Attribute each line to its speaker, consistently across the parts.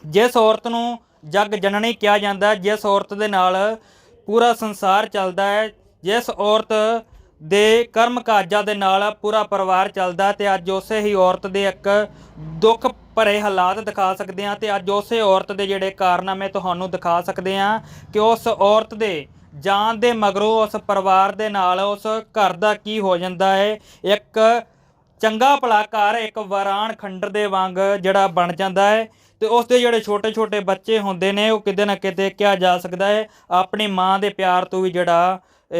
Speaker 1: ਜਿਸ ਔਰਤ ਨੂੰ ਜਗ ਜਨਨੀ ਕਿਹਾ ਜਾਂਦਾ, ਜਿਸ ਔਰਤ ਦੇ ਨਾਲ ਪੂਰਾ ਸੰਸਾਰ ਚੱਲਦਾ ਹੈ, ਜਿਸ ਔਰਤ ਦੇ ਕਰਮ ਕਾਜਾਂ ਦੇ ਨਾਲ ਪੂਰਾ ਪਰਿਵਾਰ ਚੱਲਦਾ, ਤੇ ਅੱਜ ਉਸੇ ਹੀ ਔਰਤ ਦੇ ਇੱਕ ਦੁੱਖ ਭਰੇ ਹਾਲਾਤ ਦਿਖਾ ਸਕਦੇ ਹਾਂ। ਤੇ ਅੱਜ ਉਸੇ ਔਰਤ ਦੇ ਜਿਹੜੇ ਕਾਰਨਾਮੇ ਤੁਹਾਨੂੰ ਦਿਖਾ ਸਕਦੇ ਹਾਂ ਕਿ ਉਸ ਔਰਤ ਦੇ ਜਾਣ ਦੇ ਮਗਰੋਂ ਉਸ ਪਰਿਵਾਰ ਦੇ ਨਾਲ ਉਸ ਘਰ ਦਾ ਕੀ ਹੋ ਜਾਂਦਾ ਹੈ। ਇੱਕ ਚੰਗਾ ਭਲਾ ਘਰ ਇੱਕ ਵਾਰਾਨ ਖੰਡਰ ਦੇ ਵਾਂਗ ਜਿਹੜਾ ਬਣ ਜਾਂਦਾ ਹੈ, ਤੇ ਉਸ ਦੇ ਜਿਹੜੇ ਛੋਟੇ ਛੋਟੇ ਬੱਚੇ ਹੁੰਦੇ ਨੇ ਉਹ ਕਿਤੇ ਨਾ ਕਿਤੇ ਕਿਹਾ ਜਾ ਸਕਦਾ ਹੈ ਆਪਣੀ ਮਾਂ ਦੇ ਪਿਆਰ ਤੋਂ ਵੀ ਜਿਹੜਾ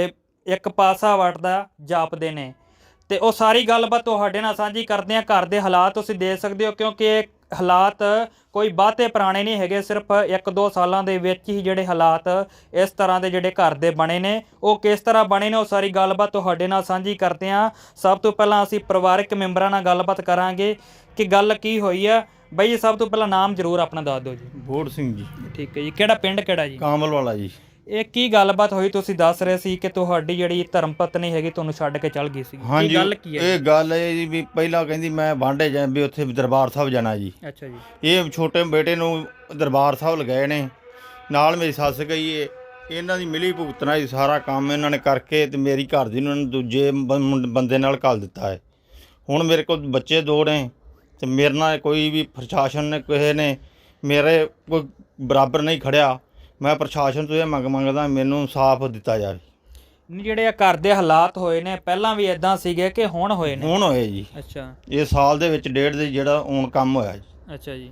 Speaker 1: ਇੱਕ ਪਾਸਾ ਵੱਟਦਾ ਜਾਪਦੇ ਨੇ। ਤੇ ਉਹ ਸਾਰੀ ਗੱਲਬਾਤ ਤੁਹਾਡੇ ਨਾਲ ਸਾਂਝੀ ਕਰਦੇ ਹਾਂ। ਘਰ ਦੇ ਹਾਲਾਤ ਤੁਸੀਂ ਦੇਖ ਸਕਦੇ ਹੋ, ਕਿਉਂਕਿ ਇਹ ਹਾਲਾਤ ਕੋਈ ਬਹੁਤੇ ਪੁਰਾਣੇ ਨਹੀਂ ਹੈਗੇ, ਸਿਰਫ 1-2 ਸਾਲਾਂ ਦੇ ਵਿੱਚ ਹੀ ਜਿਹੜੇ ਹਾਲਾਤ ਇਸ ਤਰ੍ਹਾਂ ਦੇ ਜਿਹੜੇ ਘਰ ਦੇ ਬਣੇ ਨੇ, ਉਹ ਕਿਸ ਤਰ੍ਹਾਂ ਬਣੇ ਨੇ ਉਹ ਸਾਰੀ ਗੱਲਬਾਤ ਤੁਹਾਡੇ ਨਾਲ ਸਾਂਝੀ ਕਰਦੇ ਹਾਂ। ਸਭ ਤੋਂ ਪਹਿਲਾਂ ਅਸੀਂ ਪਰਿਵਾਰਕ ਮੈਂਬਰਾਂ ਨਾਲ ਗੱਲਬਾਤ ਕਰਾਂਗੇ ਕਿ ਗੱਲ ਕੀ ਹੋਈ ਆ। ਬਾਈ ਜੀ, ਸਭ ਤੋਂ ਪਹਿਲਾਂ ਨਾਮ ਜ਼ਰੂਰ ਆਪਣਾ ਦੱਸ ਦਿਓ ਜੀ।
Speaker 2: ਬੋੜ ਸਿੰਘ ਜੀ।
Speaker 1: ਠੀਕ ਹੈ ਜੀ। ਕਿਹੜਾ ਪਿੰਡ ਕਿਹੜਾ ਜੀ?
Speaker 2: ਕਾਮਲ ਵਾਲਾ ਜੀ।
Speaker 1: ਇਹ ਕੀ ਗੱਲਬਾਤ ਹੋਈ? ਤੁਸੀਂ ਦੱਸ ਰਹੇ ਸੀ ਕਿ ਤੁਹਾਡੀ ਜਿਹੜੀ ਧਰਮ ਪਤਨੀ ਹੈਗੀ ਤੁਹਾਨੂੰ ਛੱਡ ਕੇ ਚੱਲ ਗਈ ਸੀ।
Speaker 2: ਹਾਂਜੀ,
Speaker 1: ਗੱਲ ਕੀ ਹੈ?
Speaker 2: ਇਹ ਗੱਲ ਹੈ ਜੀ ਵੀ ਪਹਿਲਾਂ ਕਹਿੰਦੀ ਮੈਂ ਵਾਂਢੇ ਜਾ ਵੀ ਉੱਥੇ ਦਰਬਾਰ ਸਾਹਿਬ ਜਾਣਾ ਜੀ।
Speaker 1: ਅੱਛਾ ਜੀ।
Speaker 2: ਇਹ ਛੋਟੇ ਬੇਟੇ ਨੂੰ ਦਰਬਾਰ ਸਾਹਿਬ ਲਗਾਏ ਨੇ, ਨਾਲ ਮੇਰੀ ਸੱਸ ਗਈ ਏ। ਇਹਨਾਂ ਦੀ ਮਿਲੀ ਭੁਗਤਣਾ ਜੀ, ਸਾਰਾ ਕੰਮ ਇਹਨਾਂ ਨੇ ਕਰਕੇ ਤੇ ਮੇਰੀ ਘਰ ਦੀ ਨੂੰ ਦੂਜੇ ਬੰਦੇ ਨਾਲ ਘੱਲ ਦਿੱਤਾ ਹੈ। ਹੁਣ ਮੇਰੇ ਕੋਲ ਬੱਚੇ 2 ਨੇ ਤੇ ਮੇਰੇ ਨਾਲ ਕੋਈ ਵੀ ਪ੍ਰਸ਼ਾਸਨ ਨੇ ਕਿਸੇ ਨੇ ਮੇਰੇ ਕੋਈ ਬਰਾਬਰ ਨਹੀਂ ਖੜਿਆ। ਮੈਂ ਪ੍ਰਸ਼ਾਸਨ ਤੋਂ ਇਹ ਮੰਗਦਾ ਮੈਨੂੰ ਇਨਸਾਫ ਦਿੱਤਾ ਜਾਵੇ।
Speaker 1: ਜਿਹੜੇ ਘਰ ਦੇ ਹਾਲਾਤ ਹੋਏ ਨੇ ਪਹਿਲਾਂ ਵੀ ਇਦਾਂ ਸੀਗੇ ਕਿ ਹੁਣ ਹੋਏ ਨੇ?
Speaker 2: ਹੁਣ ਹੋਏ ਜੀ।
Speaker 1: ਅੱਛਾ।
Speaker 2: ਇਹ ਸਾਲ ਦੇ ਵਿੱਚ 1.5 ਦੇ ਜਿਹੜਾ ਹੁਣ ਕੰਮ ਹੋਇਆ ਜੀ।
Speaker 1: ਅੱਛਾ ਜੀ।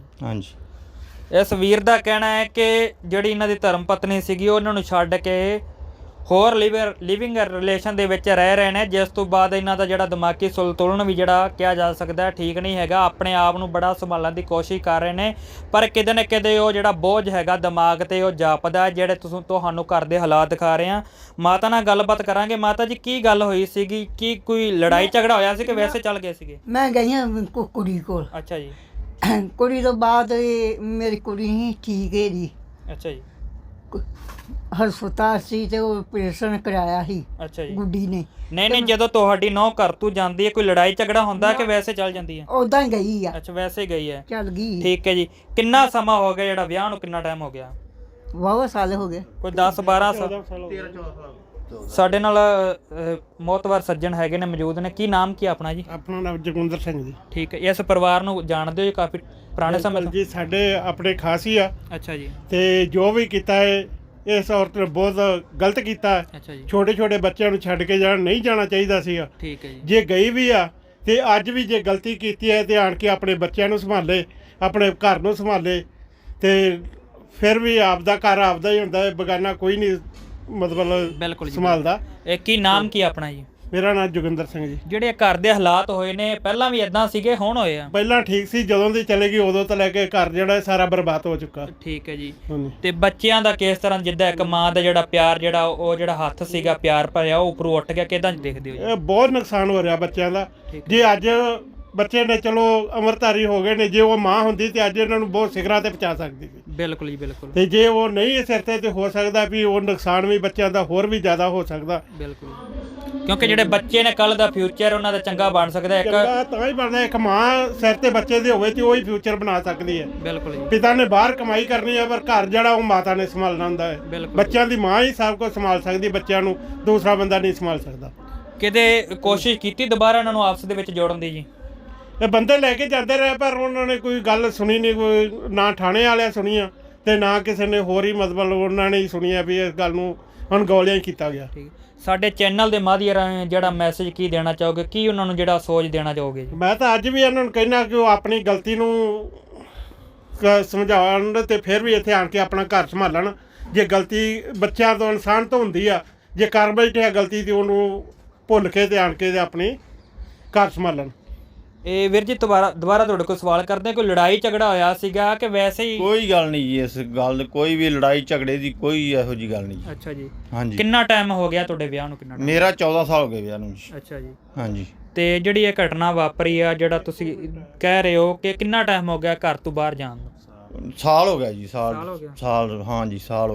Speaker 2: ਹਾਂਜੀ।
Speaker 1: ਇਸ ਵੀਰ ਦਾ ਕਹਿਣਾ ਹੈ ਕਿ ਜਿਹੜੀ ਇਹਨਾਂ ਦੀ ਧਰਮ ਪਤਨੀ ਸੀਗੀ ਉਹ ਇਹਨਾਂ ਨੂੰ ਛੱਡ ਕੇ ਹੋਰ ਲਿਵਿੰਗ ਰਿਲੇਸ਼ਨ ਦੇ ਵਿੱਚ ਰਹਿ ਰਹੇ ਨੇ, ਜਿਸ ਤੋਂ ਬਾਅਦ ਇਹਨਾਂ ਦਾ ਜਿਹੜਾ ਦਿਮਾਗੀ ਸੰਤੁਲਨ ਵੀ ਜਿਹੜਾ ਕਿਹਾ ਜਾ ਸਕਦਾ ਠੀਕ ਨਹੀਂ ਹੈਗਾ। ਆਪਣੇ ਆਪ ਨੂੰ ਬੜਾ ਸੰਭਾਲਣ ਦੀ ਕੋਸ਼ਿਸ਼ ਕਰ ਰਹੇ ਨੇ, ਪਰ ਕਿਤੇ ਨਾ ਕਿਤੇ ਉਹ ਜਿਹੜਾ ਬੋਝ ਹੈਗਾ ਦਿਮਾਗ ਤੇ ਉਹ ਜਾਪਦਾ, ਜਿਹੜੇ ਤੁਹਾਨੂੰ ਘਰ ਦੇ ਹਾਲਾਤ ਦਿਖਾ ਰਹੇ ਆ। ਮਾਤਾ ਨਾਲ ਗੱਲਬਾਤ ਕਰਾਂਗੇ। ਮਾਤਾ ਜੀ, ਕੀ ਗੱਲ ਹੋਈ ਸੀਗੀ? ਕੀ ਕੋਈ ਲੜਾਈ ਝਗੜਾ ਹੋਇਆ ਸੀ ਕਿ ਵੈਸੇ ਚੱਲ ਗਏ ਸੀਗੇ?
Speaker 3: ਮੈਂ ਗਈ ਹਾਂ ਕੁੜੀ ਕੋਲ।
Speaker 1: ਅੱਛਾ ਜੀ।
Speaker 3: ਕੁੜੀ ਤੋਂ ਬਾਅਦ ਮੇਰੀ ਕੁੜੀ ਨਹੀਂ ਠੀਕ ਹੈ ਜੀ।
Speaker 1: ਅੱਛਾ ਜੀ।
Speaker 3: ਹਸਪਤਾਲ ਸੀ ਤੇ ਉਹ ਆਪਰੇਸ਼ਨ ਕਰਾਇਆ ਸੀ
Speaker 1: ਅੱਛਾ ਜੀ।
Speaker 3: ਗੁੱਡੀ ਨੇ।
Speaker 1: ਨਹੀਂ, ਜਦੋਂ ਤੁਹਾਡੀ ਨੌਂ ਘਰ ਤੋਂ ਜਾਂਦੀ ਹੈ ਕੋਈ ਲੜਾਈ ਝਗੜਾ ਹੁੰਦਾ ਕਿ ਵੈਸੇ ਚੱਲ ਜਾਂਦੀ ਹੈ?
Speaker 3: ਉਦਾਂ ਹੀ ਗਈ ਆ।
Speaker 1: ਅੱਛਾ, ਵੈਸੇ ਹੀ ਗਈ ਹੈ।
Speaker 3: ਚੱਲ ਗਈ।
Speaker 1: ਠੀਕ ਹੈ ਜੀ। ਕਿੰਨਾ ਸਮਾਂ ਹੋ ਗਿਆ ਜਿਹੜਾ ਵਿਆਹ ਨੂੰ? ਕਿੰਨਾ ਟਾਈਮ ਹੋ ਗਿਆ?
Speaker 3: ਵਾਹਵਾ ਸਾਲ ਹੋ ਗਏ।
Speaker 1: ਕੋਈ 10-12 ਸਾਲ। ਸਾਡੇ ਨਾਲ ਮੋਤਵਰ ਸੱਜਣ ਹੈਗੇ ਨੇ, ਮੌਜੂਦ ਨੇ। ਕੀ ਨਾਮ ਕੀ ਆਪਣਾ ਜੀ?
Speaker 4: ਆਪਣਾ ਨਾਮ ਜਗਵਿੰਦਰ ਸਿੰਘ ਜੀ।
Speaker 1: ਠੀਕ ਹੈ। ਇਸ ਪਰਿਵਾਰ ਨੂੰ ਜਾਣਦੇ ਹੋ ਜੀ ਕਾਫੀ ਪੁਰਾਣੇ ਸਮੇਂ ਤੋਂ?
Speaker 4: ਜੀ ਸਾਡੇ ਆਪਣੇ ਖਾਸ ਹੀ ਆ।
Speaker 1: ਅੱਛਾ ਜੀ।
Speaker 4: ਤੇ ਜੋ ਵੀ ਕੀਤਾ ਹੈ ਇਸ ਔਰਤ ਨੇ ਬਹੁਤ ਗਲਤ ਕੀਤਾ ਹੈ।
Speaker 1: ਅੱਛਾ ਜੀ।
Speaker 4: ਛੋਟੇ ਛੋਟੇ ਬੱਚਿਆਂ ਨੂੰ ਛੱਡ ਕੇ ਨਹੀਂ ਜਾਣਾ ਚਾਹੀਦਾ ਸੀਗਾ।
Speaker 1: ਠੀਕ ਹੈ ਜੀ।
Speaker 4: ਜੇ ਗਈ ਵੀ ਆ ਤੇ ਅੱਜ ਵੀ ਜੇ ਗਲਤੀ ਕੀਤੀ ਹੈ ਤੇ ਆਣ ਕੇ ਆਪਣੇ ਬੱਚਿਆਂ ਨੂੰ ਸੰਭਾਲੇ, ਆਪਣੇ ਘਰ ਨੂੰ ਸੰਭਾਲੇ। ਤੇ ਫਿਰ ਵੀ ਆਪਦਾ ਘਰ ਆਪਦਾ ਹੀ ਹੁੰਦਾ ਹੈ, ਬੇਗਾਨਾ ਕੋਈ ਨਹੀਂ ਮਤਲਬ
Speaker 1: ਬਿਲਕੁਲ ਜੀ।
Speaker 4: ਸੰਭਾਲਦਾ।
Speaker 1: ਇਹ ਕੀ ਨਾਮ ਕੀ ਆਪਣਾ ਜੀ?
Speaker 4: ਮੇਰਾ ਨਾਮ ਜੋਗਿੰਦਰ ਸਿੰਘ ਜੀ।
Speaker 1: ਜਿਹੜੇ ਘਰ ਦੇ ਹਾਲਾਤ ਹੋਏ ਨੇ ਪਹਿਲਾਂ ਵੀ ਇਦਾਂ ਸੀਗੇ ਹੁਣ ਹੋਏ ਆ?
Speaker 4: ਪਹਿਲਾਂ ਠੀਕ ਸੀ, ਜਦੋਂ ਦੀ ਚਲੇ ਗਈ ਉਦੋਂ ਤੋਂ ਲੈ ਕੇ ਘਰ ਜਿਹੜਾ ਸਾਰਾ ਬਰਬਾਦ ਹੋ ਚੁੱਕਾ।
Speaker 1: ਠੀਕ ਹੈ ਜੀ।
Speaker 4: ਹਾਂਜੀ।
Speaker 1: ਤੇ ਬੱਚਿਆਂ ਦਾ ਕਿਸ ਤਰ੍ਹਾਂ, ਜਿੱਦਾਂ ਇੱਕ ਮਾਂ ਦਾ ਜਿਹੜਾ ਪਿਆਰ ਜਿਹੜਾ ਉਹ ਜਿਹੜਾ ਹੱਥ ਸੀਗਾ ਪਿਆਰ ਭਰਿਆ ਉਹ ਉੱਪਰੋਂ ਉੱਠ ਗਿਆ, ਕਿਦਾਂ ਦੇਖਦੇ ਹੋ ਜੀ?
Speaker 4: ਇਹ ਬਹੁਤ ਨੁਕਸਾਨ ਹੋ ਰਿਹਾ ਬੱਚਿਆਂ ਦਾ। ਜੇ ਅੱਜ ਬੱਚੇ ਨੇ ਚਲੋ ਅਮਰਧਾਰੀ ਹੋ ਗਏ ਨੇ, ਜੇ ਉਹ ਮਾਂ ਹੁੰਦੀ ਤੇ ਅੱਜ ਇਹਨਾਂ ਨੂੰ ਬਹੁਤ ਸਿਖਰਾਂ ਤੇ ਪਹੁੰਚਾ ਸਕਦੀ ਸੀ।
Speaker 1: ਬਿਲਕੁਲ ਜੀ, ਬਿਲਕੁਲ।
Speaker 4: ਤੇ ਜੇ ਉਹ ਨਹੀਂ ਸਿਰ ਤੇ ਹੋ ਸਕਦਾ ਵੀ ਉਹ ਨੁਕਸਾਨ ਵੀ ਬੱਚਿਆਂ ਦਾ ਹੋਰ ਵੀ ਜ਼ਿਆਦਾ ਹੋ ਸਕਦਾ।
Speaker 1: ਬਿਲਕੁਲ, ਕਿਉਂਕਿ ਜਿਹੜੇ ਬੱਚੇ ਨੇ ਕੱਲ ਦਾ ਫਿਊਚਰ ਉਹਨਾਂ ਦਾ ਚੰਗਾ ਬਣ ਸਕਦਾ। ਇੱਕ
Speaker 4: ਤਾਂ ਹੀ ਬਣਦਾ, ਇੱਕ ਮਾਂ ਸਿਰ ਤੇ ਬੱਚੇ ਦੇ ਹੋਵੇ ਤੇ ਉਹ ਹੀ ਫਿਊਚਰ ਬਣਾ ਸਕਦੀ ਹੈ।
Speaker 1: ਬਿਲਕੁਲ ਜੀ।
Speaker 4: ਪਿਤਾ ਨੇ ਬਾਹਰ ਕਮਾਈ ਕਰਨੀ ਹੈ, ਪਰ ਘਰ ਜਿਹੜਾ ਉਹ ਮਾਤਾ ਨੇ ਸੰਭਾਲਣਾ ਹੁੰਦਾ ਹੈ। ਬੱਚਿਆਂ ਦੀ ਮਾਂ ਹੀ ਸਭ ਕੁਝ ਸੰਭਾਲ ਸਕਦੀ, ਬੱਚਿਆਂ ਨੂੰ ਦੂਸਰਾ ਬੰਦਾ ਨਹੀਂ ਸੰਭਾਲ ਸਕਦਾ।
Speaker 1: ਕਿਤੇ ਕੋਸ਼ਿਸ਼ ਕੀਤੀ ਦੁਬਾਰਾ ਇਹਨਾਂ ਨੂੰ ਆਪਸ ਦੇ ਵਿੱਚ ਜੋੜਨ ਦੀ ਜੀ?
Speaker 4: ਇਹ ਬੰਦੇ ਲੈ ਕੇ ਜਾਂਦੇ ਰਹੇ, ਪਰ ਉਹਨਾਂ ਨੇ ਕੋਈ ਗੱਲ ਸੁਣੀ ਨਹੀਂ, ਕੋਈ ਨਾ ਥਾਣੇ ਵਾਲਿਆਂ ਸੁਣੀਆਂ ਤੇ ਨਾ ਕਿਸੇ ਨੇ ਹੋਰ ਹੀ ਮਤਲਬ ਉਹਨਾਂ ਨੇ ਹੀ ਸੁਣੀਆ ਵੀ ਇਸ ਗੱਲ ਨੂੰ ਅਣਗੌਲਿਆ ਹੀ ਕੀਤਾ ਗਿਆ।
Speaker 1: ਠੀਕ। ਸਾਡੇ ਚੈਨਲ ਦੇ ਮਾਧਿਅਮ ਰਾਹੀਂ ਜਿਹੜਾ ਮੈਸੇਜ ਕੀ ਦੇਣਾ ਚਾਹੋਗੇ, ਕੀ ਉਹਨਾਂ ਨੂੰ ਜਿਹੜਾ ਸੋਚ ਦੇਣਾ ਚਾਹੋਗੇ?
Speaker 4: ਮੈਂ ਤਾਂ ਅੱਜ ਵੀ ਇਹਨਾਂ ਨੂੰ ਕਹਿਣਾ ਕਿ ਉਹ ਆਪਣੀ ਗਲਤੀ ਨੂੰ ਸਮਝਾਉਣ ਤੇ ਫਿਰ ਵੀ ਇੱਥੇ ਆਣ ਕੇ ਆਪਣਾ ਘਰ ਸੰਭਾਲਣ। ਜੇ ਗਲਤੀ ਬੱਚਿਆਂ ਤੋਂ ਇਨਸਾਨ ਤੋਂ ਹੁੰਦੀ ਆ, ਜੇ ਕਰ ਬੈਠੇ ਆ ਗਲਤੀ ਤੇ ਉਹਨੂੰ ਭੁੱਲ ਕੇ ਤੇ ਆਣ ਕੇ ਤੇ ਆਪਣੀ ਘਰ ਸੰਭਾਲਣ।
Speaker 1: ਇਹ ਵੀਰ ਜੀ ਦੁਬਾਰਾ ਤੁਹਾਡੇ ਕੋਲ ਸਵਾਲ ਕਰਦੇ, ਕੋਈ ਲੜਾਈ ਝਗੜਾ ਹੋਇਆ ਸੀਗਾ ਕਿ ਵੈਸੇ ਹੀ?
Speaker 2: ਕੋਈ ਗੱਲ ਨਹੀਂ ਜੀ, ਇਸ ਗੱਲ ਕੋਈ ਵੀ ਲੜਾਈ ਝਗੜੇ ਦੀ ਕੋਈ ਇਹੋ ਜੀ ਗੱਲ ਨਹੀਂ।
Speaker 1: ਅੱਛਾ ਜੀ।
Speaker 2: ਹਾਂਜੀ।
Speaker 1: ਕਿੰਨਾ ਟਾਈਮ ਹੋ ਗਿਆ ਤੁਹਾਡੇ ਵਿਆਹ ਨੂੰ? ਕਿੰਨਾ?
Speaker 2: ਮੇਰਾ 14 ਸਾਲ ਹੋ ਗਏ ਵਿਆਹ ਨੂੰ ਜੀ।
Speaker 1: ਅੱਛਾ ਜੀ।
Speaker 2: ਹਾਂਜੀ।
Speaker 1: ਤੇ ਜਿਹੜੀ ਇਹ ਘਟਨਾ ਵਾਪਰੀ ਆ, ਜਿਹੜਾ ਤੁਸੀਂ ਕਹਿ ਰਹੇ ਹੋ ਕਿ ਕਿੰਨਾ ਟਾਈਮ ਹੋ ਗਿਆ ਘਰ ਤੋਂ ਬਾਹਰ ਜਾਣ ਨੂੰ?
Speaker 2: ਸਾਲ ਹੋ ਗਿਆ ਜੀ। ਸਾਲ
Speaker 1: ਹੋ ਗਿਆ?
Speaker 2: ਸਾਲ, ਹਾਂਜੀ ਸਾਲ ਹੋ ਗਿਆ।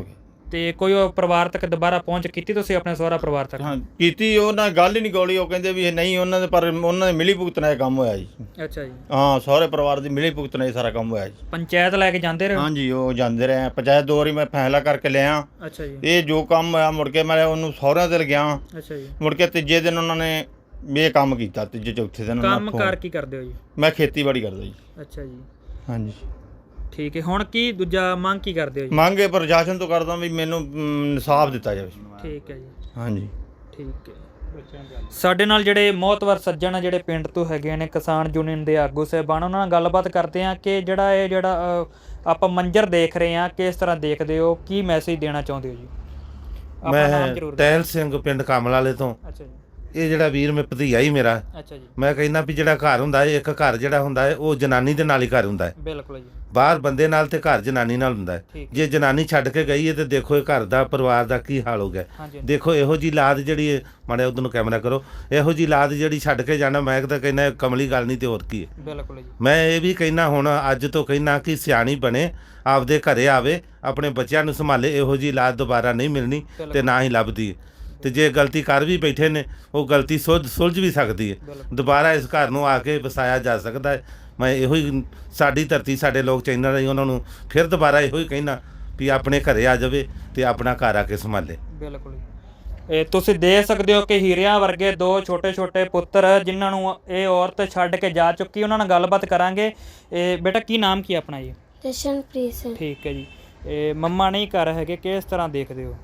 Speaker 1: ਤੇ ਕੋਈ ਉਹ ਪਰਿਵਾਰ ਤੱਕ ਦੁਬਾਰਾ ਪਹੁੰਚ ਕੀਤੀ ਤੁਸੀਂ ਆਪਣੇ ਸਹੁਰਾ ਪਰਿਵਾਰ ਤੱਕ?
Speaker 2: ਹਾਂ ਕੀਤੀ, ਉਹਨਾਂ ਗੱਲ ਹੀ ਨਹੀਂ ਗੋਲੀ। ਉਹ ਕਹਿੰਦੇ ਵੀ ਇਹ ਨਹੀਂ ਉਹਨਾਂ ਦੇ, ਪਰ ਉਹਨਾਂ ਦੇ ਮਿਲੀ ਭੁਗਤ ਨਾਲ ਇਹ ਕੰਮ ਹੋਇਆ ਜੀ।
Speaker 1: ਅੱਛਾ ਜੀ।
Speaker 2: ਹਾਂ, ਸਹੁਰੇ ਪਰਿਵਾਰ ਦੀ ਮਿਲੀ ਭੁਗਤ ਨਾਲ ਇਹ ਸਾਰਾ ਕੰਮ ਹੋਇਆ ਜੀ।
Speaker 1: ਪੰਚਾਇਤ ਲੈ ਕੇ ਜਾਂਦੇ ਰਹੇ?
Speaker 2: ਹਾਂਜੀ, ਉਹ ਜਾਂਦੇ ਰਹੇ ਪੰਚਾਇਤ। 2 ਵਾਰੀ ਮੈਂ ਫੈਸਲਾ ਕਰਕੇ ਲਿਆ।
Speaker 1: ਅੱਛਾ ਜੀ।
Speaker 2: ਇਹ ਜੋ ਕੰਮ ਹੋਇਆ ਮੁੜ ਕੇ ਮੈਂ ਉਹਨੂੰ ਸਹੁਰਿਆਂ ਤੇ ਲਗਿਆ।
Speaker 1: ਅੱਛਾ ਜੀ।
Speaker 2: ਮੁੜ ਕੇ ਤੀਜੇ ਦਿਨ ਉਹਨਾਂ ਨੇ ਇਹ ਕੰਮ ਕੀਤਾ। ਤੀਜੇ ਚੌਥੇ ਦਿਨ
Speaker 1: ਕੰਮ ਕਾਰ ਕੀ ਕਰਦੇ ਹੋ ਜੀ?
Speaker 2: ਮੈਂ ਖੇਤੀਬਾੜੀ ਕਰਦਾ ਜੀ।
Speaker 1: ਅੱਛਾ ਜੀ।
Speaker 2: ਹਾਂਜੀ
Speaker 1: ਠੀਕ ਹੈ। ਹੁਣ ਕੀ ਦੂਜਾ ਮੰਗ ਕੀ ਕਰਦੇ ਹੋ ਜੀ?
Speaker 2: ਮੰਗੇ ਪ੍ਰਸ਼ਾਸਨ ਤੋਂ ਕਰਦਾ ਵੀ ਮੈਨੂੰ ਇਨਸਾਫ ਦਿੱਤਾ ਜਾਵੇ।
Speaker 1: ਠੀਕ ਹੈ ਜੀ।
Speaker 2: ਹਾਂਜੀ
Speaker 1: ਠੀਕ ਹੈ। ਸਾਡੇ ਨਾਲ ਜਿਹੜੇ ਮੋਹਤਵਰ ਸੱਜਣ ਆ, ਜਿਹੜੇ ਪਿੰਡ ਤੋਂ ਹੈਗੇ ਨੇ, ਕਿਸਾਨ ਯੂਨੀਅਨ ਦੇ ਆਗੂ ਸਾਹਿਬਾਨ, ਉਹਨਾਂ ਨਾਲ ਗੱਲਬਾਤ ਕਰਦੇ ਆ ਕਿ ਜਿਹੜਾ ਆਪਾਂ ਮੰਜ਼ਰ ਦੇਖ ਰਹੇ ਆ, ਕਿਸ ਤਰ੍ਹਾਂ ਦੇਖਦੇ ਹੋ, ਕੀ ਮੈਸੇਜ ਦੇਣਾ ਚਾਹੁੰਦੇ ਹੋ ਜੀ? ਆਪਣਾ ਨਾਮ ਜ਼ਰੂਰ
Speaker 5: ਮੈਂ ਟਹਿਲ ਸਿੰਘ ਪਿੰਡ ਕਮਲ ਵਾਲੇ ਤੋਂ।
Speaker 1: ਅੱਛਾ ਜੀ।
Speaker 5: ਇਹ ਜਿਹੜਾ ਵੀਰ ਮੈਂ ਭਤੀਆ ਹੀ ਮੇਰਾ।
Speaker 1: ਅੱਛਾ ਜੀ।
Speaker 5: ਮੈਂ ਕਹਿੰਦਾ ਵੀ ਜਿਹੜਾ ਘਰ ਹੁੰਦਾ ਹੈ, ਇੱਕ ਘਰ ਜਿਹੜਾ ਹੁੰਦਾ ਹੈ ਉਹ ਜਨਾਨੀ ਦੇ ਨਾਲ ਹੀ ਘਰ ਹੁੰਦਾ ਹੈ।
Speaker 1: ਬਿਲਕੁਲ ਜੀ।
Speaker 5: ਬਾਹਰ ਬੰਦੇ ਨਾਲ ਤੇ ਘਰ ਜਨਾਨੀ ਨਾਲ ਹੁੰਦਾ ਹੈ।
Speaker 1: ਠੀਕ।
Speaker 5: ਜੇ ਜਨਾਨੀ ਛੱਡ ਕੇ ਗਈ ਹੈ ਤੇ ਦੇਖੋ ਇਹ ਘਰ ਦਾ ਪਰਿਵਾਰ ਦਾ ਕੀ ਹਾਲ ਹੋ ਗਿਆ।
Speaker 1: ਹਾਂਜੀ।
Speaker 5: ਦੇਖੋ ਇਹੋ ਜੀ ਲਾਦ ਜਿਹੜੀ ਹੈ, ਮਾੜੇ ਉਧਰ ਨੂੰ ਕੈਮਰਾ ਕਰੋ, ਇਹੋ ਜੀ ਲਾਦ ਜਿਹੜੀ ਛੱਡ ਕੇ ਜਾਣਾ, ਮੈਂ ਤਾਂ ਕਹਿੰਦਾ ਕਮਲੀ ਗੱਲ ਨਹੀਂ ਤੇ ਹੋਰ ਕੀ ਹੈ।
Speaker 1: ਬਿਲਕੁਲ ਜੀ।
Speaker 5: ਮੈਂ ਇਹ ਵੀ ਕਹਿੰਦਾ ਹੁਣ ਅੱਜ ਤੋਂ ਕਹਿੰਦਾ ਕਿ ਸਿਆਣੀ ਬਣੇ, ਆਪਦੇ ਘਰੇ ਆਵੇ, ਆਪਣੇ ਬੱਚਿਆਂ ਨੂੰ ਸੰਭਾਲੇ। ਇਹੋ ਜੀ ਲਾਦ ਦੁਬਾਰਾ ਨਹੀਂ ਮਿਲਣੀ ਤੇ ਨਾ ਹੀ ਲੱਭਦੀ ਹੈ। ਤੇ ਜੇ ਗਲਤੀ ਕਰ ਵੀ ਬੈਠੇ ਨੇ, ਉਹ ਗਲਤੀ ਸੁਲਝ ਵੀ ਸਕਦੀ ਹੈ। ਦੁਬਾਰਾ ਇਸ ਘਰ ਨੂੰ ਆ ਕੇ ਵਸਾਇਆ ਜਾ ਸਕਦਾ ਹੈ। ਮੈਂ ਇਹੋ ਹੀ, ਸਾਡੀ ਧਰਤੀ ਸਾਡੇ ਲੋਕ ਚੈਨਲ ਰਾਹੀਂ ਉਹਨਾਂ ਨੂੰ ਫਿਰ ਦੁਬਾਰਾ ਇਹੋ ਹੀ ਕਹਿਣਾ ਵੀ ਆਪਣੇ ਘਰੇ ਆ ਜਾਵੇ ਤੇ ਆਪਣਾ ਘਰ ਆ ਕੇ ਸੰਭਾਲੇ।
Speaker 1: ਬਿਲਕੁਲ। ਇਹ ਤੁਸੀਂ ਦੇਖ ਸਕਦੇ ਹੋ ਕਿ ਹੀਰਿਆਂ ਵਰਗੇ 2 ਛੋਟੇ ਪੁੱਤਰ ਜਿਨ੍ਹਾਂ ਨੂੰ ਇਹ ਔਰਤ ਛੱਡ ਕੇ ਜਾ ਚੁੱਕੀ। ਉਹਨਾਂ ਨਾਲ ਗੱਲਬਾਤ ਕਰਾਂਗੇ। ਇਹ ਬੇਟਾ ਕੀ ਨਾਮ ਕੀ ਆਪਣਾ ਜੀ?
Speaker 6: ਜਸ਼ਨਪ੍ਰੀਤ ਸਿੰਘ।
Speaker 1: ਠੀਕ ਹੈ ਜੀ। ਇਹ ਮੰਮਾ ਨਹੀਂ ਘਰ ਹੈਗੇ, ਕਿਸ ਤਰ੍ਹਾਂ ਦੇਖਦੇ ਹੋ?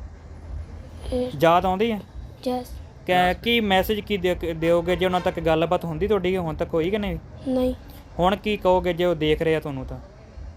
Speaker 1: ਯਾਦ ਆਉਂਦੀ ਹੈ?
Speaker 6: ਜਸ
Speaker 1: ਕੀ ਮੈਸੇਜ ਕੀ ਦਿਓਗੇ ਜੇ ਉਹਨਾਂ ਤੱਕ ਗੱਲਬਾਤ ਹੁੰਦੀ ਤੁਹਾਡੀ? ਹੁਣ ਤੱਕ ਹੋਈ ਕਿ ਨਹੀਂ?
Speaker 6: ਨਹੀਂ।
Speaker 1: ਹੁਣ ਕੀ ਕਹੋਗੇ ਜੇ ਉਹ ਦੇਖ ਰਹੇ ਆ ਤੁਹਾਨੂੰ? ਤਾਂ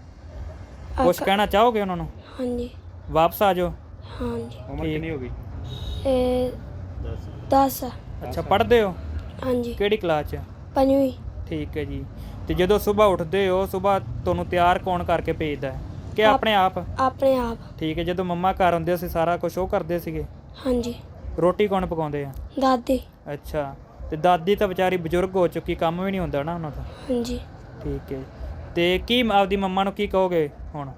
Speaker 1: ਕੁਛ ਕਹਿਣਾ ਚਾਹੋਗੇ ਉਹਨਾਂ ਨੂੰ?
Speaker 6: ਹਾਂਜੀ।
Speaker 1: ਵਾਪਸ ਆ ਜਾਓ।
Speaker 6: ਹਾਂਜੀ।
Speaker 1: ਉਮਰ ਕਿੰਨੀ ਹੋ ਗਈ?
Speaker 6: ਇਹ 10।
Speaker 1: ਅੱਛਾ, ਪੜ੍ਹਦੇ ਹੋ?
Speaker 6: ਹਾਂਜੀ।
Speaker 1: ਕਿਹੜੀ ਕਲਾਸ 'ਚ?
Speaker 6: 5ਵੀਂ।
Speaker 1: ਠੀਕ ਹੈ ਜੀ। ਤੇ ਜਦੋਂ ਸਵੇਰ ਉੱਠਦੇ ਹੋ, ਸਵੇਰ ਤੁਹਾਨੂੰ ਤਿਆਰ ਕੌਣ ਕਰਕੇ ਭੇਜਦਾ ਹੈ ਕਿ ਆਪਣੇ ਆਪ?
Speaker 6: ਆਪਣੇ ਆਪ।
Speaker 1: ਠੀਕ ਹੈ। ਜਦੋਂ ਮੰਮਾ ਘਰ ਹੁੰਦੇ ਸੀ ਸਾਰਾ ਕੁਝ ਉਹ ਕਰਦੇ ਸੀਗੇ?
Speaker 6: ਹਾਂਜੀ।
Speaker 1: ਰੋਟੀ ਕੌਣ ਪਕਾਉਂਦੇ ਆ?
Speaker 6: ਦਾਦੀ।
Speaker 1: ਅੱਛਾ। ਤੇ ਦਾਦੀ ਤਾਂ ਵਿਚਾਰੀ ਬਜ਼ੁਰਗ ਹੋ ਚੁੱਕੀ, ਕੰਮ ਵੀ ਨਹੀਂ ਹੁੰਦਾ ਨਾ ਉਹਨਾਂ ਦਾ?
Speaker 6: ਹਾਂਜੀ।
Speaker 1: ਠੀਕ ਹੈ। ਤੇ ਕੀ ਆਪਦੀ ਮੰਮਾ ਨੂੰ ਕੀ ਕਹੋਗੇ ਹੁਣ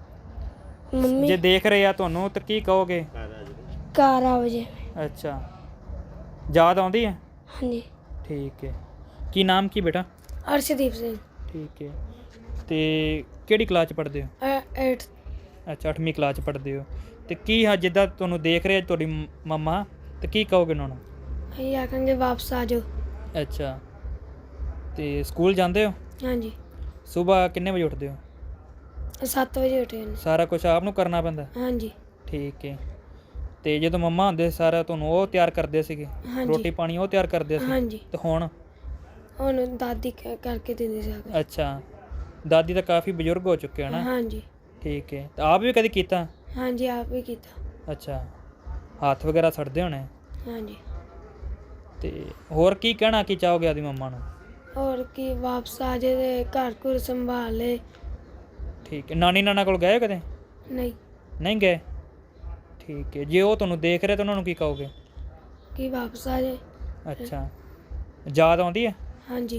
Speaker 6: ਮੰਮੀ
Speaker 1: ਜੇ ਦੇਖ ਰਹੇ ਆ ਤੁਹਾਨੂੰ? ਤਾਂ ਕੀ ਕਹੋਗੇ?
Speaker 6: ਘਰ ਆ ਵਜੇ।
Speaker 1: ਅੱਛਾ, ਯਾਦ ਆਉਂਦੀ ਹੈ?
Speaker 6: ਹਾਂਜੀ।
Speaker 1: ਠੀਕ ਹੈ। ਕੀ ਨਾਮ ਕੀ ਬੇਟਾ?
Speaker 6: ਅਰਸ਼ਦੀਪ ਸਿੰਘ।
Speaker 1: ਠੀਕ ਹੈ। ਤੇ ਕਿਹੜੀ ਕਲਾਸ 'ਚ ਪੜ੍ਹਦੇ ਹੋ?
Speaker 6: 8th।
Speaker 1: ਅੱਛਾ, 8ਵੀਂ ਕਲਾਸ 'ਚ ਪੜ੍ਹਦੇ ਹੋ। ਤੇ ਕੀ ਜਿੱਦਾਂ ਤੁਹਾਨੂੰ ਦੇਖ ਰਹੇ ਤੁਹਾਡੀ ਮੰਮਾ, ਤੇ ਕੀ ਕਹੋਗੇ ਉਹਨਾਂ ਨੂੰ?
Speaker 6: ਅਸੀਂ ਆਖਾਂਗੇ ਵਾਪਸ ਆ ਜਾਓ।
Speaker 1: ਅੱਛਾ। ਤੇ ਸਕੂਲ ਜਾਂਦੇ ਹੋ?
Speaker 6: ਹਾਂਜੀ।
Speaker 1: ਸਵੇਰ ਕਿੰਨੇ ਵਜੇ ਉੱਠਦੇ ਹੋ?
Speaker 6: 7 ਵਜੇ ਉੱਠੇ ਨੇ।
Speaker 1: ਸਾਰਾ ਕੁਝ ਆਪ ਨੂੰ ਕਰਨਾ ਪੈਂਦਾ?
Speaker 6: ਹਾਂਜੀ।
Speaker 1: ਠੀਕ ਹੈ। ਤੇ ਜਦੋਂ ਮੰਮਾ ਹੁੰਦੇ ਸਾਰਾ ਤੁਹਾਨੂੰ ਉਹ ਤਿਆਰ ਕਰਦੇ ਸੀਗੇ?
Speaker 6: ਹਾਂਜੀ।
Speaker 1: ਰੋਟੀ ਪਾਣੀ ਉਹ ਤਿਆਰ ਕਰਦੇ ਸੀ?
Speaker 6: ਹਾਂਜੀ।
Speaker 1: ਤੇ ਹੁਣ
Speaker 6: ਦਾਦੀ ਕਰਕੇ ਦਿੰਦੀ ਸੀ।
Speaker 1: ਅੱਛਾ, ਦਾਦੀ ਤਾਂ ਕਾਫੀ ਬਜ਼ੁਰਗ ਹੋ ਚੁੱਕੇ ਹਨ?
Speaker 6: ਹਾਂਜੀ।
Speaker 1: ਠੀਕ ਹੈ। ਤਾਂ ਆਪ ਵੀ ਕਦੀ ਕੀਤਾ?
Speaker 6: ਹਾਂਜੀ, ਆਪ ਵੀ ਕੀਤਾ।
Speaker 1: ਅੱਛਾ, ਹੱਥ ਵਗੈਰਾ ਸੜਦੇ ਹੋਣੇ?
Speaker 6: ਹਾਂਜੀ।
Speaker 1: ਤੇ ਹੋਰ ਕੀ ਕਹਿਣਾ ਕੀ ਚਾਹੋਗੇ ਆਦੀ ਮੰਮਾ ਨੂੰ?
Speaker 6: ਹੋਰ ਕੀ, ਵਾਪਸ ਆ ਜਾਏ ਤੇ ਘਰ ਘੁਰ ਸੰਭਾਲ ਲੈ।
Speaker 1: ਠੀਕ ਹੈ। ਨਾਨੀ ਨਾਨਾ ਕੋਲ ਗਏ ਕਦੇ?
Speaker 6: ਨਹੀਂ।
Speaker 1: ਨਹੀਂ ਗਏ? ਠੀਕ ਹੈ। ਜੇ ਉਹ ਤੁਹਾਨੂੰ ਦੇਖ ਰਹੇ ਤਾਂ ਉਹਨਾਂ ਨੂੰ ਕੀ ਕਹੋਗੇ?
Speaker 6: ਕਿ ਵਾਪਸ ਆ ਜਾਏ।
Speaker 1: ਅੱਛਾ, ਯਾਦ ਆਉਂਦੀ ਹੈ?
Speaker 6: ਹਾਂਜੀ।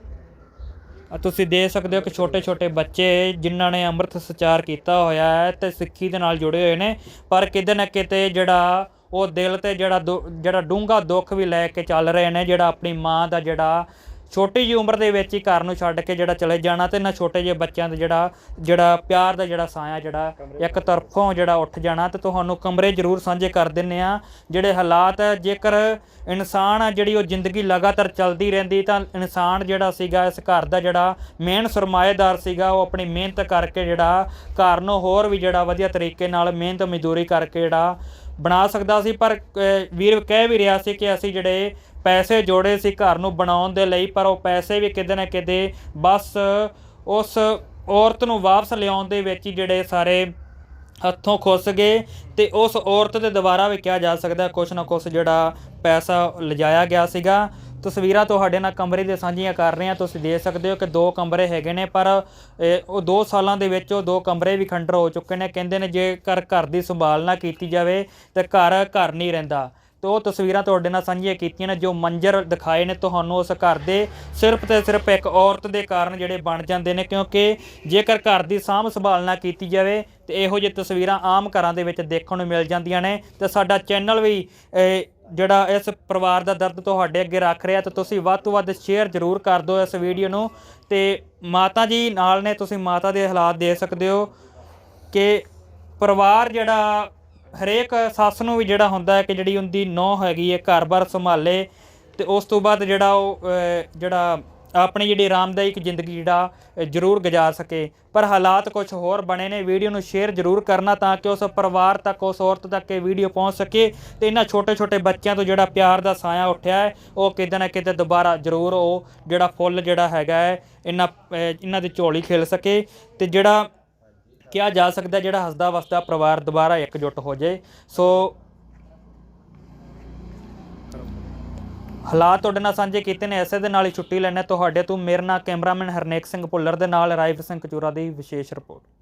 Speaker 1: ਤੁਸੀਂ ਦੇਖ ਸਕਦੇ ਹੋ ਕਿ ਛੋਟੇ ਬੱਚੇ ਜਿਨ੍ਹਾਂ ਨੇ ਅੰਮ੍ਰਿਤ ਸੰਚਾਰ ਕੀਤਾ ਹੋਇਆ ਹੈ ਤੇ ਸਿੱਖੀ ਦੇ ਨਾਲ ਜੁੜੇ ਹੋਏ ਨੇ, ਪਰ ਕਿਤੇ ਨਾ ਕਿਤੇ ਜਿਹੜਾ ਉਹ ਦਿਲ ਤੇ ਜਿਹੜਾ ਡੂੰਘਾ ਦੁੱਖ ਵੀ ਲੈ ਕੇ ਚੱਲ ਰਹੇ ਨੇ। ਜਿਹੜਾ ਆਪਣੀ ਮਾਂ ਦਾ ਜਿਹੜਾ ਛੋਟੀ ਜਿਹੀ ਉਮਰ ਦੇ ਵਿੱਚ ਹੀ ਘਰ ਨੂੰ ਛੱਡ ਕੇ ਜਿਹੜਾ ਚਲੇ ਜਾਣਾ, ਤੇ ਇਹਨਾਂ ਛੋਟੇ ਜਿਹੇ ਬੱਚਿਆਂ ਦਾ ਜਿਹੜਾ ਪਿਆਰ ਦਾ ਜਿਹੜਾ ਸਾਇਆ ਜਿਹੜਾ ਇੱਕ ਤਰਫੋਂ ਜਿਹੜਾ ਉੱਠ ਜਾਣਾ। ਤੇ ਤੁਹਾਨੂੰ ਕਮਰੇ ਜ਼ਰੂਰ ਸਾਂਝੇ ਕਰ ਦਿੰਦੇ ਆ ਜਿਹੜੇ ਹਾਲਾਤ। ਜੇਕਰ ਇਨਸਾਨ ਜਿਹੜੀ ਉਹ ਜ਼ਿੰਦਗੀ ਲਗਾਤਾਰ ਚੱਲਦੀ ਰਹਿੰਦੀ ਤਾਂ ਇਨਸਾਨ ਜਿਹੜਾ ਸੀਗਾ ਇਸ ਘਰ ਦਾ ਜਿਹੜਾ ਮੇਨ ਸਰਮਾਏਦਾਰ ਸੀਗਾ, ਉਹ ਆਪਣੀ ਮਿਹਨਤ ਕਰਕੇ ਜਿਹੜਾ ਘਰ ਨੂੰ ਹੋਰ ਵੀ ਜਿਹੜਾ ਵਧੀਆ ਤਰੀਕੇ ਨਾਲ ਮਿਹਨਤ ਮਜ਼ਦੂਰੀ ਕਰਕੇ ਜਿਹੜਾ ਬਣਾ ਸਕਦਾ ਸੀ। ਪਰ ਵੀਰ ਕਹਿ ਵੀ ਰਿਹਾ ਸੀ ਕਿ ਅਸੀਂ ਜਿਹੜੇ ਪੈਸੇ ਜੋੜੇ ਸੀ ਘਰ ਨੂੰ ਬਣਾਉਣ ਦੇ ਲਈ, ਪਰ ਉਹ ਪੈਸੇ ਵੀ ਕਿਤੇ ਨਾ ਕਿਤੇ ਬਸ ਉਸ ਔਰਤ ਨੂੰ ਵਾਪਸ ਲਿਆਉਣ ਦੇ ਵਿੱਚ ਹੀ ਜਿਹੜੇ ਸਾਰੇ ਹੱਥੋਂ ਖੁੱਸ ਗਏ। ਤੇ ਉਸ ਔਰਤ ਦੇ ਦੁਆਰਾ ਵੀ ਕਿਹਾ ਜਾ ਸਕਦਾ ਕੁਛ ਨਾ ਕੁਛ ਜਿਹੜਾ ਪੈਸਾ ਲਿਜਾਇਆ ਗਿਆ ਸੀਗਾ। ਤਸਵੀਰਾਂ ਤੁਹਾਡੇ ਨਾਲ ਕਮਰੇ ਦੇ ਸਾਂਝੀਆਂ ਕਰ ਰਹੇ ਹਾਂ। ਤੁਸੀਂ ਦੇਖ ਸਕਦੇ ਹੋ ਕਿ 2 ਕਮਰੇ ਹੈਗੇ ਨੇ, ਪਰ ਉਹ 2 ਸਾਲਾਂ ਦੇ ਵਿੱਚ ਉਹ 2 ਕਮਰੇ ਵੀ ਖੰਡਰ ਹੋ ਚੁੱਕੇ ਨੇ। ਕਹਿੰਦੇ ਨੇ ਜੇਕਰ ਘਰ ਦੀ ਸੰਭਾਲ ਨਾ ਕੀਤੀ ਜਾਵੇ ਤਾਂ ਘਰ ਨਹੀਂ ਰਹਿੰਦਾ। ਤੇ ਉਹ ਤਸਵੀਰਾਂ ਤੁਹਾਡੇ ਨਾਲ ਸਾਂਝੀਆਂ ਕੀਤੀਆਂ ਨੇ। ਜੋ ਮੰਜ਼ਰ ਦਿਖਾਏ ਨੇ ਤੁਹਾਨੂੰ ਉਸ ਘਰ ਦੇ ਸਿਰਫ ਤੇ ਸਿਰਫ ਇੱਕ ਔਰਤ ਦੇ ਕਾਰਨ ਜਿਹੜੇ ਬਣ ਜਾਂਦੇ ਨੇ, ਕਿਉਂਕਿ ਜੇਕਰ ਘਰ ਦੀ ਸਾਂਭ ਸੰਭਾਲ ਨਾ ਕੀਤੀ ਜਾਵੇ ਤੇ ਇਹੋ ਜਿਹੀ ਤਸਵੀਰਾਂ ਆਮ ਘਰਾਂ ਦੇ ਵਿੱਚ ਦੇਖਣ ਨੂੰ ਮਿਲ ਜਾਂਦੀਆਂ ਨੇ। ਤੇ ਸਾਡਾ ਚੈਨਲ ਵੀ ਜਿਹੜਾ ਇਸ ਪਰਿਵਾਰ ਦਾ ਦਰਦ ਤੁਹਾਡੇ ਅੱਗੇ ਰੱਖ ਰਿਹਾ, ਤੇ ਤੁਸੀਂ ਵੱਧ ਤੋਂ ਵੱਧ ਸ਼ੇਅਰ ਜ਼ਰੂਰ ਕਰ ਦਿਓ ਇਸ ਵੀਡੀਓ ਨੂੰ। ਤੇ ਮਾਤਾ ਜੀ ਨਾਲ ਨੇ, ਤੁਸੀਂ ਮਾਤਾ ਦੇ ਹਾਲਾਤ ਦੇ ਸਕਦੇ ਹੋ ਕਿ ਪਰਿਵਾਰ ਜਿਹੜਾ ਹਰੇਕ ਸੱਸ ਨੂੰ ਵੀ ਜਿਹੜਾ ਹੁੰਦਾ ਹੈ ਕਿ ਜਿਹੜੀ ਉਹਦੀ ਨੂੰਹ ਹੈਗੀ ਹੈ ਘਰ-ਬਾਰ ਸੰਭਾਲੇ ਤੇ ਉਸ ਤੋਂ ਬਾਅਦ ਜਿਹੜਾ ਉਹ ਜਿਹੜਾ ਆਪਣੀ ਜਿਹੜੀ ਆਰਾਮਦਾਇਕ ਜ਼ਿੰਦਗੀ ਜਿਹੜਾ ਜ਼ਰੂਰ ਗੁਜ਼ਾਰ ਸਕੇ, ਪਰ ਹਾਲਾਤ ਕੁਝ ਹੋਰ ਬਣੇ ਨੇ। ਵੀਡੀਓ ਨੂੰ ਸ਼ੇਅਰ ਜ਼ਰੂਰ ਕਰਨਾ ਤਾਂ ਕਿ ਉਸ ਪਰਿਵਾਰ ਤੱਕ, ਉਸ ਔਰਤ ਤੱਕ ਇਹ ਵੀਡੀਓ ਪਹੁੰਚ ਸਕੇ ਤੇ ਇਹਨਾਂ ਛੋਟੇ-ਛੋਟੇ ਬੱਚਿਆਂ ਤੋਂ ਜਿਹੜਾ ਪਿਆਰ ਦਾ ਸਾਇਆ ਉੱਠਿਆ ਹੈ ਉਹ ਕਿਤੇ ਨਾ ਕਿਤੇ ਦੁਬਾਰਾ ਜ਼ਰੂਰ ਉਹ ਜਿਹੜਾ ਫੁੱਲ ਜਿਹੜਾ ਹੈਗਾ ਹੈ ਇਹਨਾਂ ਦੀ ਝੋਲੀ ਖਿਲ ਸਕੇ ਤੇ ਜਿਹੜਾ ਕਿਹਾ ਜਾ ਸਕਦਾ ਜਿਹੜਾ ਹੱਸਦਾ ਵਸਦਾ ਪਰਿਵਾਰ ਦੁਬਾਰਾ ਇਕਜੁੱਟ ਹੋ ਜਾਏ। ਸੋ ਹਾਲਾਤ ਤੁਹਾਡੇ ਨਾਲ ਸਾਂਝੇ ਕੀਤੇ ਨੇ। ਐਸੇ ਦੇ ਨਾਲ ਹੀ ਛੁੱਟੀ ਲੈਣੇ ਤੁਹਾਡੇ ਤੋਂ। ਮੇਰੇ ਨਾਲ ਕੈਮਰਾਮੈਨ ਹਰਨੇਕ ਸਿੰਘ ਭੁੱਲਰ ਦੇ ਨਾਲ ਰਾਈਵ ਸਿੰਘ ਕਚੂਰਾ ਦੀ ਵਿਸ਼ੇਸ਼ ਰਿਪੋਰਟ।